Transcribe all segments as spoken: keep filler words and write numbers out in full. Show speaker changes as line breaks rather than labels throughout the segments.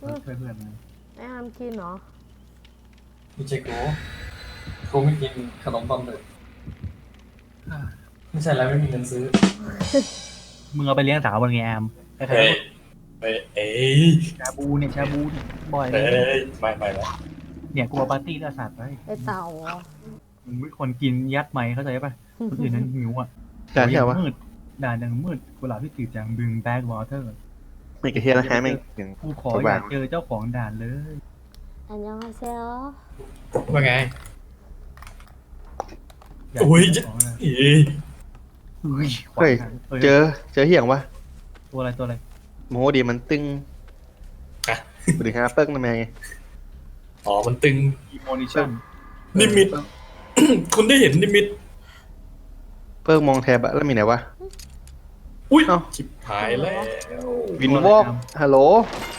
ก็ช่วยเพื่อนนะ
ไอ้อามกินเหรอ
ไม่ใช่กูกูไม่กินขนมปังเลยไม่ใช่แล้วไม่มีเงินซื้อ
มึงเอาไปเลี้ยงสาวบนไงแอมใครๆ
เฮ้ย
ก็
เฮ้ยเอ้ย
ชาบูเนี่ยชาบูเนี่ยบ่อยเล
เฮ้
ย
ยไม่ไม่ไม่
เนี่ยกลัวปาร์ตี้แล้วสัตว์ไว้
ไอ้เต่าเหรอ
มึงไม่คนกินยัดไหมเข้าใจป่ะคนอื่นนั้นหิวอ่ะ
ด่านเที่ยววะ
มืดด่านยังมืดกุหลาบที่จืดจางบึงแบ็กวอเตอร์
ไม่กระเทียมนะฮะไม่ถึง
กูขออยากเจอเจ้าของด่านเลย
อันยองฮาเซล
ว่าไง
อยาก
อุ้ย
เจอเจ้าของด่าน
อี
อุ้ย
เฮ้ย เจอเจอเหี้ยงวะ
ตัวอะไรตัวอะไร
โมโหดีมันตึง
อ่ะ
บริหารเปิ้งทำไม
อ๋อมันตึง
อีโมนิชั่น
นิมิต คุณได้เห็นนิมิต
เปิ้งมองแทบอะแล้วมีไหนวะ
อุ้ย
เอ้า
ชิบหายแล้ว
วินวอกฮัลโหล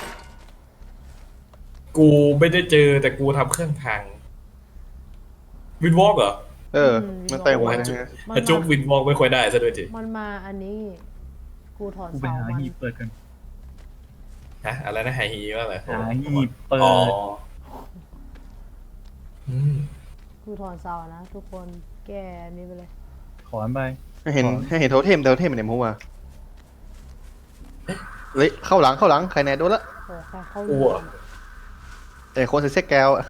กูไม่ได้เจอแต่กูทำเครื่องพังวินวอล์กเหรอ
เออ มันไต่หัวนะฮะ
แต่จุกวินวอล์กไม่ค่อยได้ซะด้วยจี
มันมาอันนี้ กูถอน
กูไป
เสา
หา
มัน
หีบเปิดกัน
ฮะอะไรนะไฮฮีว่าอะไร
หาหีบเปิ
อ๋อ
ด
อืม
กูถอนเสานะทุกคนแกอันนี้ไปเลย
ขอนไป
ให้เห็นให้เห็นโทเทมโทเทมเป็นไหนมั้งวะเฮ้ยเข้าหลังเข้าหลังใครแน่โดนละ
โอ้ใครเข้า
อ้วก
แต่คนใส่เสื้อแก้วอะ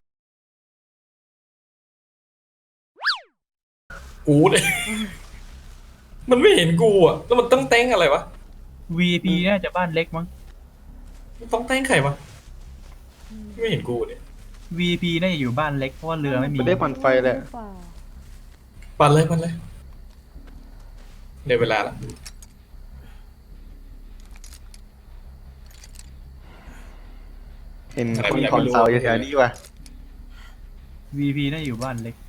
กูเนี่ย มันไม่เห็นกูอ่ะแล้วมันต้องแต้งอะไรวะ
วี ไอ พี น่าจะบ้านเล็กมั้ง
ต้องแต้งใครวะไม่เห็นกูเนี่ย
วี ไอ พี น่าจะอยู่บ้านเล็กเพราะว่าเรือไม่มี
ไปได้ปั่นไฟเลย
หรือเปล่า
ปั่นเลยปั่นเลยเดี๋ยวเวลาละ
เห็นคนถอนเสาอยู่แถวนี้วะ
วี ไอ พี น่าจะอยู่บ้านเล็ก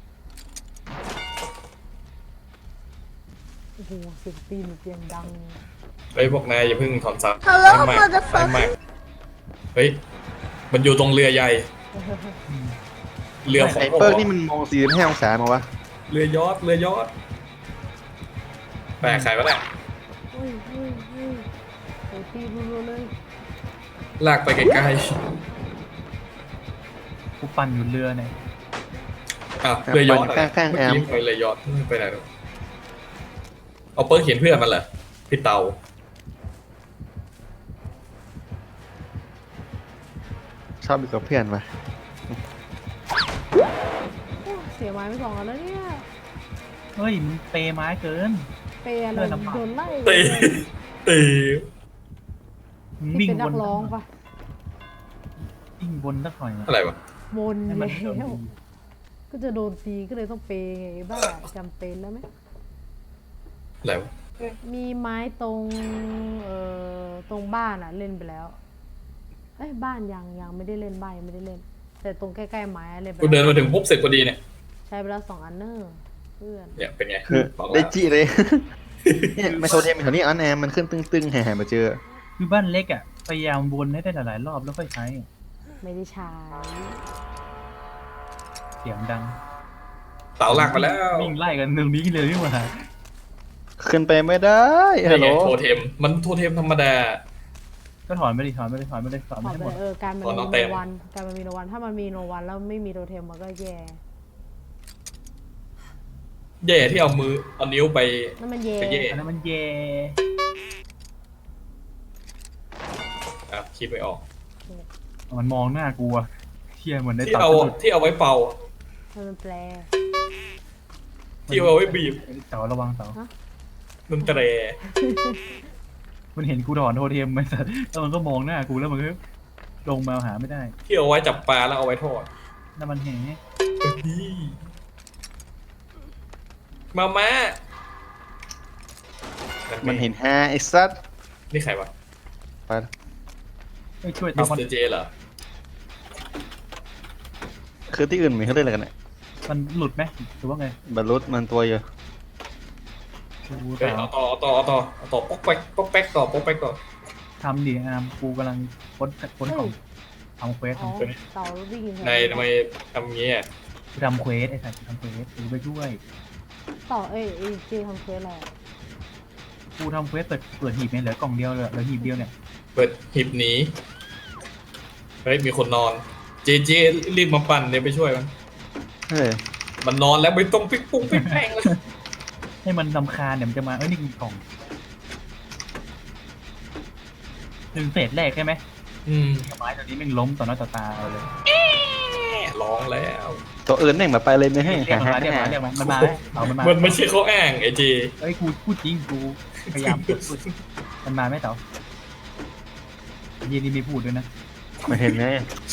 โอ้โหเสียงตีนเสียงดัง
เฮ้ยพวกนายอย่าเพิ่งถอนซับฮัลโหลมาจะฟังเฮ้ยมันอยู่ตรงเรือใหญ่ เรือของ
ไอ้เปิ้งนี่มันมองสี่สิบห้าองศามาวะ
เรือยอดเรือยอดแปลกใครวะเนี่ย
เฮ้ยเฮ้ยเฮ้ยโอ้ตีรัวๆเลย
ลากไปไกล
กูปั่นอยู่เรือเนี่ย
ๆอ่ะเรือยอด
ข้างข้างๆแอม
เมื่อกี้ไปเรือยอดไปไหนลูกเอาเปิ้ลเขียนเพื่อนมันเหรอพี่เตา
ชอบอยู่กับเพื่อนวะ
โอ้เสียไม้ไปสองอันแล้วเนี่ย
เฮ้ยมึงเปไม้เกิน
เปย์อะไร
เพื่อนลำบาก
โดนไล่
ตีตี
มึง
พี่
วิ่ง
เป็น
บ
นั
น
กร้องปะ
วิ่งบนสักหน่อย
อะไรวะ
มน
ให้
แล้
มันโดน
ว ก็จะโดนตีก็เลยต้องเปย์ไงบ้าจำเป็นแล้วไหม
อะไรวะ
มีไม้ตรงเอ่อตรงบ้านอะเล่นไปแล้วเอ้ยบ้านยังยังไม่ได้เล่นบ้านยังไม่ได้เล่น แต่ตรงใกล้ๆไม้อะเล่นไป
กูเดิน
แล้ว
มาถึงปุ๊บเสร็จพอดีเนี่ย
ใช้ไปแล้วสองอันเนอร์เพื่อน
เนี่ยเป็นไง
คือ
บอก
ได้
แล้ว
จี้เลย เนี่ยไม่โทเทมแถวนี้อันแอมมันขึ้นตึงๆแห่ๆมาเจอ
คือบ้านเล็กอ่ะพยายามวนให้ได้หลายๆรอบแล้วค่อยใช้
ไม่ได้ใช้
เสียงดัง
เตาลากมาแล้ว
วิ่งไล่กันตรงนี้เลยนี่หว่า
ขึ้นไปไม่ได้ฮัล
นี่
โหล
ไงโทเทมมันโทเทมธรรมดา
ก็ถอนไม่ได้ถอนไม่ได้ถอนไม่ได้ถอน
ต
ไม่
อบ
ให้
ไป
หมด
เออการมัน
อ๋อน้
มี
อง
โน
เต็ม
วันการมันมีโนวันถ้ามันมีโนวันแล้วไม่มีโทเทมมันก็แย่
แย่ที่เอามือเอานิ้วไป
นั่นมันแย่
ไปแย่
อันนั้นมันแย่
อ่ะคิดไม่ออก
มันมองหน้ากูอะเที่ยเหมือนใน
ที่
ตับ
เอา
สะดุด
ที่เอาไว้เป่า
ให้มันแปล
ที่เอาไว้บีบ
เสาระวังเสา
ดนตรี
มันเห็นกูถอนโทเทมมันสัตว์แล้วมันก็มองหน้ากูแล้วมันก็ลงมาหาไม่ได้
ที่เอาไว้จับปลาแล้วเอาไว้ทอด
นั่นมันแหง
มาม่า
มันเห็นฮาไอ้ซัด
นี่ใครวะ
ไป
ไม่ช่วย
มิ
ตา
ส
มัน
เตอร์เจเหรอ
คือที่อื่นมีเขาเล่นอะไรกันเนี่ย
มันหลุดไหมหรือว่าไง
บรรลุมันตัวเยอะ
กู
เฮ้ย
เปล่า
เอาต่อเอาต่อเอาต่อเอาต่อป๊อกแป๊กป๊อกแป๊กต่อป๊อกแป๊กต่อ
ทำดิอามกูกำลังค้นค้นของทำเควส
อ๋อ
ทำเควส
เต่าวิ่ง
ในทำไมทำงี้อ่ะ
กูทำเควสไอ้สัตว์กูทำเควสกูไปช่วย
เต่าเอ้ยไอ้เจทำเควสอะไรอะ
กูทำเควสเปิดเปิดหีบเนี่ยเหลือกล่องเดียวเลยเหลือหีบเดียวเนี่ย
เปิดหีบหนีเฮ้ยมีคนนอนเจเจรีบมาปั่นเดี๋ยวไปช่วยมัน
เฮ้ย
มันนอนแล้วไม่ต้องปิ๊กปุ้งปิ๊กแพงเลย
ให้มันรำคาญเดี๋ยวมันจะมาเอ้ยนี่มีกล่องหนึ่งเศษแรกใช่ไหม
อืม
ไม้ตัวนี้แม่งล้มต่อหน้าต่อตาเราเลย
ร้องแล้ว
ตัวอื่นแม่งแบบไปเลยไม่ให้
เรียกมันมาเรียกมันมาเรียกมันมันมาไหมเอามันมา
มันไม่ใช่เขาอ้างไอ้เจ
เอ้ยกูพูดจริงกูพยายามพูดมันมาไหมเต๋อเย็นนี่ไม่พูดด้วยนะ
ไม่เห็นไง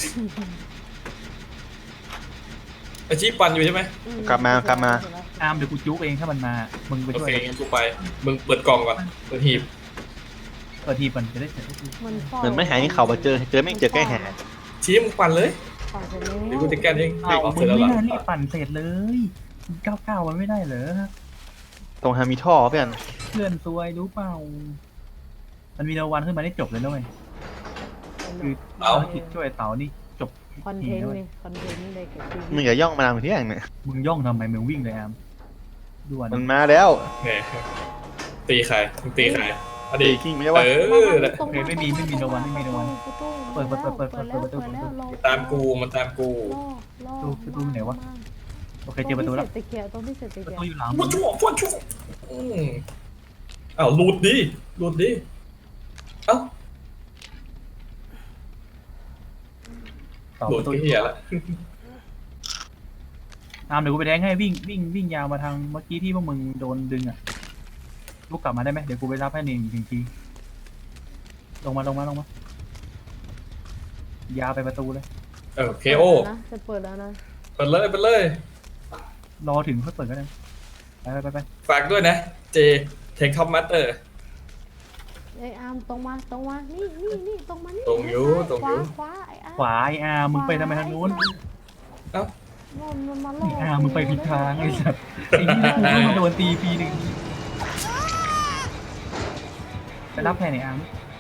ไอ้ชีปั่นอยู่ใช่ไหม
อื
กลับมากลับมา
อามเดี๋ยวกูจุกเองถ้ามันมามึงไป
โอ
ช่วย
เคงั้นกูไปมึงเปิดกล่องก่อนเปิดหีบ
เปิดทีมันจะได้เสร็จ
มันเฝ้า
เหมือนไม่หายเขามาเจอเจอแม่งเจอใกล้หา
ชี้มึงปั่นเลย
ปั่นเสร็จแล้ว
เดี๋ยวกูจะแก้เอง
อ้าว
เอา
มึ
เสร็
ง
จแล้ว
ไม่
ล่ะ
น่ารีบปั่นเสร็จเลยเก้าเก้ามันไม่ได้เหรอ
ตรงฮามีท่อเพื่อน
เพื่อนซวยรู้เปล่ามันมีรางวัลขึ้นมาได้จบเลยนะเว้ยคือภารกิจช่วยเต๋านี่จบ
คอนเทนต์นี่คอนเทนต์เลยกับชีวิต
มึงอย่าย่องมาทางที่อย่างเนี่ย
มึงย่องทำไมมึงวิ่งเลยอามด่วน
มันมาแล้ว
เนี่ยตีใครมึงตีใครอ
ตี
ดี
กิ้งไม่ใช่
เอ
วะ
อ
ตรงา
ไม่มีไม่มีรางวัลไม่มีรางวัล เปิดเปิดเปิดเปิดเปิดเปิดประตู
แล้ว
ตามกูมันตามกู
ล่อ
ประตูไหนวะ โอเคเจอประตูแล้ว
ตรงที่เสร็จตะเกียบตรงที่เสร็จตะ
ประ
เกียบ
ตูอยู่หลัง
ฟันชั่วฟันชั่วอืมอ้าวหลุดดิหลุดดิเอ้า
ต่อ
หลุ
ป
ด
ระตู
ก็เหี้ยละ
อามเดี๋ยวกูไปแทงให้วิ่งวิ่งวิ่งยาวมาทางเมื่อกี้ที่พวกมึงโดนดึงอ่ะลูกกลับมาได้ไหมเดี๋ยวกูไปรับให้หนึ่งหนึ่งทีลงมาลงมาลงมายาวไปประตูเลย
เออเคโอ
นะจะเปิดแล้วนะ
เปิดเลยเปิดเลย
รอถึงค่อยเปิดก็ได้ไปไปไปไป
ฝากด้วยนะ เจเทคท็อปมาสเตอร์
ไอ้อาร์มตรงมาตรงมานี่นี่นี่ตรงมานี่
ตรงอยู่ตรงอยู่
ขวาขวาไอ้อาร์ม
ขวาไออาร์มึงไปทำไมทางนู้น
เอ้า
มันมันมา
ไออาร์มึงไปผิดทางไอ้สัสไอ้นี่กูก็มาโดนตีปีหนึ่งไปรับแทนไออาร์ม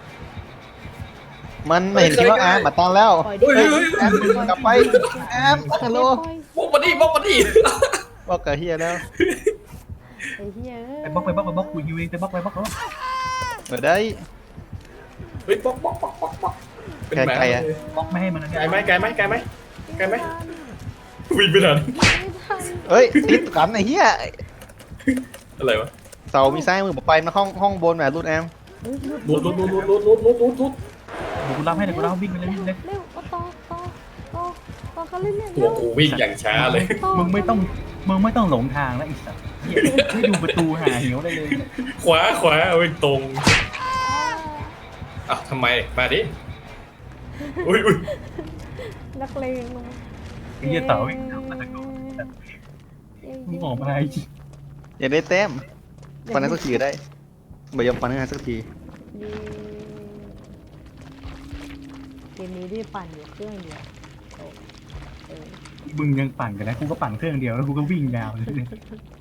มันไม่เห็นคิดว่าอาร์มมาตั้งแล้ว
ปล่อย
เฮ้ย
ดิ
เฮ้ย
แอมกลับไปแอมฮัลโหล
บล็อกมาดิบล็อกมาดิ
บอกกับเฮียแล้ว
ไอ้เหี้ย
ไปบล็อกไปบล็อกไปบล็อกกูยิวเองไปบล็อกไปบล็อกแล้ว
เปิดได้
เฮ้ยบล็อกบล็อกบล็อกบล็อกบล็อกเป็นแหม
ไกลๆอะ
เลย
บล็อกไม่ให้มันนะ
ไกลไหมไกลไหมไกลไหมไกลไหมวิ่งไปทัน
ไม่ทัน
เฮ้ยติดกันไอ้เฮีย
อะไรวะ
เสามีซ้ายมือบอกไปมาห้องห้องบนแบบรูดแอม
เฮ้ยห
ลุดลุดลุดลุดลุดลุดลุดลุดลุด
เดี๋ยวกูรับให้เดี๋ยวกูรับวิ่งไปเลยวิ่งเลย
เร็วเอาต่อต่อต่อต่อเขาเล่นเนี่ย
ตัวกูวิ่งอย่างช้าเลย
ต่
มึงไม่ต้องมึงไม่ต้องหลงทางแล้วไอีสัตว์เหี้ยไม่ดูประตูหาเหวได้เลย
ขวาขวาเอาไปตรง
อ่า
อ่ะทำไมมาดิอุ้ยอุ้ย
นักเลงลง
ไอ้เหี้ยเต๋าวิ่งตามมาตะโกนมึงออกมาไอ้
อยากได้แต้มฟันนั้นสักทีก็ได้ไม่ยอมฟันนั้นสักที
เย้เกมนี้ได้ปั่นอยู่เครื่องเดียวโอ้เออ
มึงยังปั่นกันนะกูก็ปั่นเครื่องเดียวแล้วกูก็วิ่งยาวเลย